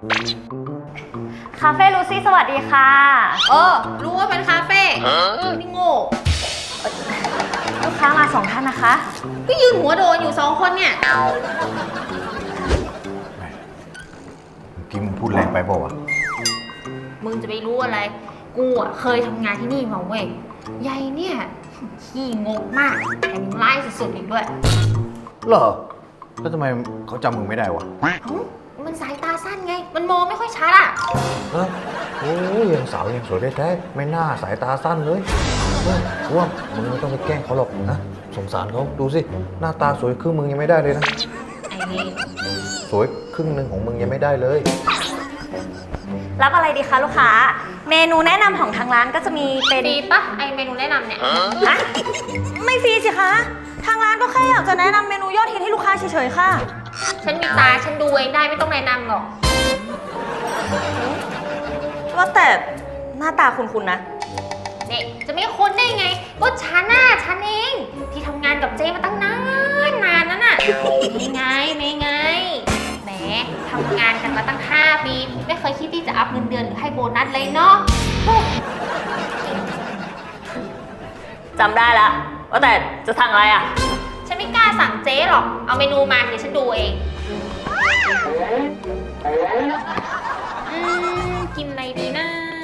คาเฟ่ลูซี่สวัสดีค่ะรู้ว่าเป็นคาเฟ่นี่โง่ลูกค้ามา2 ท่านนะคะก็ยืนหัวโดนอยู่2 คนเนี่ยเมื่อกี้มึงพูดแรงไปเปล่าวะมึงจะไปรู้อะไร กูอ่ะเคยทำงานที่นี่มาเว้ยยายเนี่ยขี้งกมากแถมยังไล่สุดๆอีกด้วยเหรอแล้วทำไมเขาจำมึงไม่ได้วะมันสายตาสั้นไง มันมองไม่ค่อยชัดอ่ะโอ้ยยังสาวยังสวยได้แท้ไม่น่าสายตาสั้นเลยว่ามึงไม่ต้องไปแกล้งเขาหรอกนะสงสารเขาดูสิหน้าตาสวยครึ่งมึงยังไม่ได้เลยนะไอ้นี่สวยครึ่งหนึ่งของมึงยังไม่ได้เลยรับอะไรดีคะลูกค้าเมนูแนะนำของทางร้านก็จะมีเป็นฟรีปะไอเมนูแนะนำเนี่ยฮะไม่ฟรีสิคะทางร้านก็แค่อยากจะแนะนำเมนูยอดฮิตให้ลูกค้าเฉยๆค่ะฉันมีตาฉันดูเองได้ไม่ต้องแนะนำหรอกว่าแต่หน้าตาคุณนะเนี่ยจะไม่คุ้นได้ไงก็ฉันเองที่ทำงานกับเจมาตั้งนานนั่นน่ะไม่ไงแหมทำงานกันมาตั้ง5 ปีไม่เคยคิดที่จะอัพเงินเดือนหรือให้โบนัสเลยเนาะจำได้แล้วว่าแต่จะสั่งอะไรอ่ะฉันไม่กล้าสั่งเจ๊หรอกเอาเมนูมาเดี๋ยวฉันดูเองกินอะไรดีนะ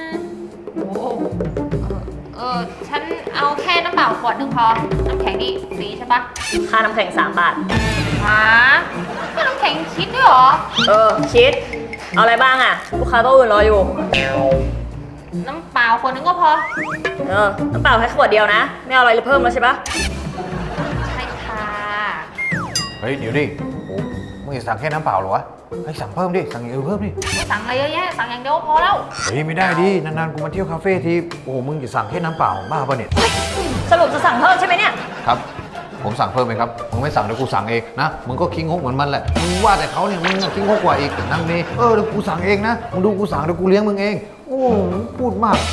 ฉันเอาแค่น้ำเปล่าขวด 1พอน้ำแข็งนี่ฟรีใช่ปะค่าน้ำแข็ง3 บาทฮะแค่น้ำแข็งคิดด้วยเหรอชิดเอาอะไรบ้างอ่ะลูกค้าโต๊ะอื่นรออยู่น้ำเปล่าขวด 1ก็พอน้ำเปล่าแค่ขวดเดียวนะไม่เอาอะไรเพิ่มแล้วใช่ปะใช่ค่ะเฮ้ยเดี๋ยวดิโอ้มึงจะสั่งแค่น้ำเปล่าเหรอวะให้สั่งเพิ่มดิสั่งอย่างอื่นเพิ่มดิสั่งอะไรเยอะแยะสั่งอย่างเดียวพอแล้วเฮ้ยไม่ได้ดินานๆกูมาเที่ยวคาเฟ่ทีโอ้มึงจะสั่งแค่น้ำเปล่าบ้าป่ะเนี่ยสรุปจะสั่งเพิ่มใช่ไหมเนี่ยครับผมสั่งเพิ่มไหมครับมึงไม่สั่งเดี๋ยวกูสั่งเองนะมึงก็คิงฮกเหมือนมันแหละมึงว่าแต่เขาเนี่ยมึงคิงฮกกว่าอีกนั่งนี่เดี๋ยวกูสั่งเองนะมึงดูกูสั่งเดี๋ยวกูเลี้ยงมึงเองโอ้พูดมาก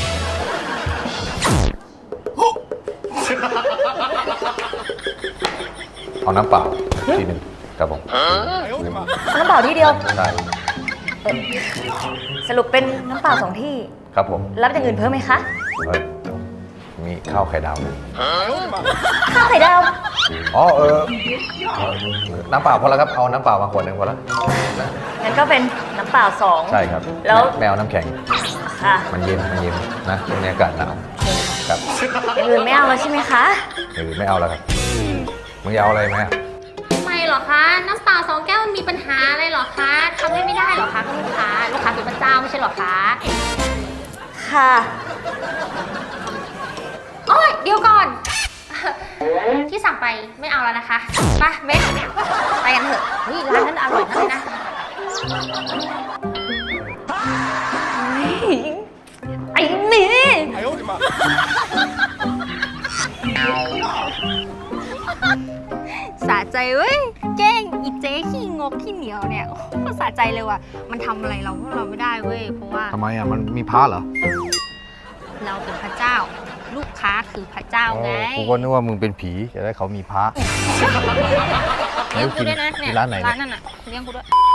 เอาน้ำเปล่าทีหนึ่งครับผมน้ำเปล่าที่เดียวได้สรุปเป็นน้ำเปล่า2 ที่ครับผมรับอย่างอื่นเพิ่มไหมคะเฮ้ยมีข้าวไข่ดาวไหมข้าวไข่ดาวอ๋อน้ำเปล่าพอแล้วครับเอาน้ำเปล่ามาขวดหนึ่งพอแล้วงั้นก็เป็นน้ำเปล่า2 ใช่ครับแล้วไม่เอาน้ำแข็งค่ะมันเย็นนะช่วงนี้อากาศหนาวครับอย่างอื่นไม่เอาแล้วใช่ไหมคะไม่เอาแล้วครับมึงจะเอาอะไรไหมทำไมเหรอคะ น้ำเปล่า2 แก้วมันมีปัญหาอะไรเหรอคะทำไม่ได้เหรอคะคุณลูกค้าเป็นพระเจ้าไม่ใช่เหรอคะค่ะโอ้ยเดี๋ยวก่อน ที่สั่งไปไม่เอาแล้วนะคะไปเม็ดไปกันเถอะเฮ้ยร้านนั้นอร่อยมากเลยนะไอ้นี่สะใจเว้ยแกล้งอีเจ๊ขี้งกขี้เหนียวเนี่ยก็สะใจเลยว่ะมันทำอะไรเราพวกเราไม่ได้เว้ยเพราะว่าทำไมอ่ะมันมีพระเหรอเราเป็นพระเจ้า ลูกค้าคือพระเจ้าไงกูก็นึกว่ามึงเป็นผีจะได้เขามีพระเลี้ยงกูด้วยนะเนี่ยร้านไหนร้านเนี่ยนั่นน่ะเลี้ยงกูด้วย